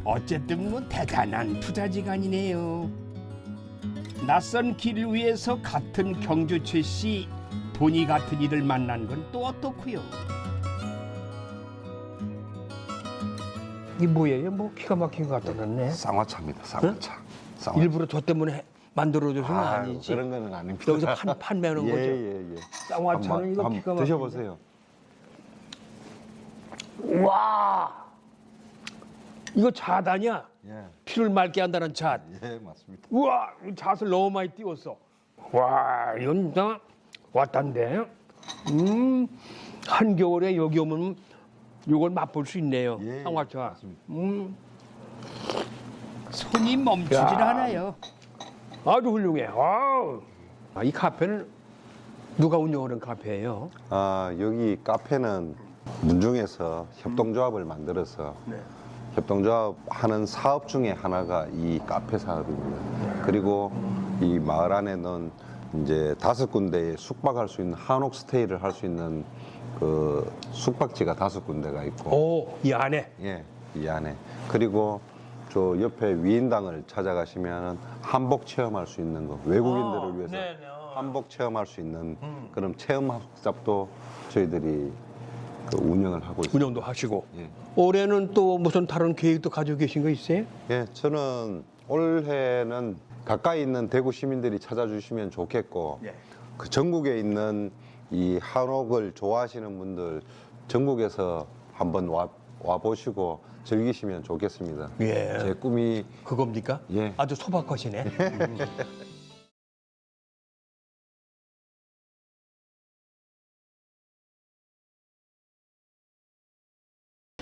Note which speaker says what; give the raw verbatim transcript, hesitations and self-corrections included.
Speaker 1: 어쨌든 뭐 대단한 투자지간이네요. 낯선 길 위에서 같은 경주최 씨 본이 같은 이를 만난 건 또 어떻고요?
Speaker 2: 이 뭐예요? 뭐 기가 막힌 것 같았네.
Speaker 3: 쌍화차입니다. 쌍화차. 쌍화차.
Speaker 2: 일부러 저 때문에 만들어줘서는
Speaker 3: 아유,
Speaker 2: 아니지.
Speaker 3: 그런 거는 아닙니다.
Speaker 2: 여기서 판, 판매하는
Speaker 3: 예,
Speaker 2: 거죠.
Speaker 3: 예, 예.
Speaker 2: 쌍화차는
Speaker 3: 한번-
Speaker 2: 이거
Speaker 3: 한번
Speaker 2: 기가 막힌데.
Speaker 3: 드셔보세요.
Speaker 2: 와, 이거 잣 아니야?
Speaker 3: 예,
Speaker 2: 피를 맑게 한다는 잣.
Speaker 3: 예, 맞습니다.
Speaker 2: 우와, 이 잣을 너무 많이 띄웠어. 와, 이건 진짜 왔단데. 음, 한겨울에 여기 오면 이걸 맛볼 수 있네요.
Speaker 3: 예,
Speaker 2: 쌍화차.
Speaker 3: 맞습니다.
Speaker 2: 음,
Speaker 1: 손이 멈추질
Speaker 2: 야.
Speaker 1: 않아요.
Speaker 2: 아주 훌륭해. 와우. 아, 이 카페는 누가 운영하는 카페예요?
Speaker 3: 아, 여기 카페는 문중에서 협동조합을 만들어서
Speaker 2: 네.
Speaker 3: 협동조합 하는 사업 중에 하나가 이 카페 사업입니다. 그리고 이 마을 안에는 이제 다섯 군데에 숙박할 수 있는 한옥 스테이를 할 수 있는 그 숙박지가 다섯 군데가 있고,
Speaker 2: 오, 이 안에.
Speaker 3: 예, 이 안에. 그리고 저 옆에 위인당을 찾아가시면 한복 체험할 수 있는 거, 외국인들을
Speaker 2: 아,
Speaker 3: 위해서
Speaker 2: 네네. 어.
Speaker 3: 한복 체험할 수 있는
Speaker 2: 음.
Speaker 3: 그런 체험 학습도 저희들이 그 운영을 하고 있습니다.
Speaker 2: 운영도 하시고.
Speaker 3: 예.
Speaker 2: 올해는 또 무슨 다른 계획도 가지고 계신 거 있어요?
Speaker 3: 예, 저는 올해는 가까이 있는 대구 시민들이 찾아주시면 좋겠고,
Speaker 2: 예.
Speaker 3: 그 전국에 있는 이 한옥을 좋아하시는 분들 전국에서 한번 와, 와 보시고 즐기시면 좋겠습니다.
Speaker 2: 예.
Speaker 3: 제 꿈이
Speaker 2: 그겁니까?
Speaker 3: 예.
Speaker 2: 아주 소박하시네. 음.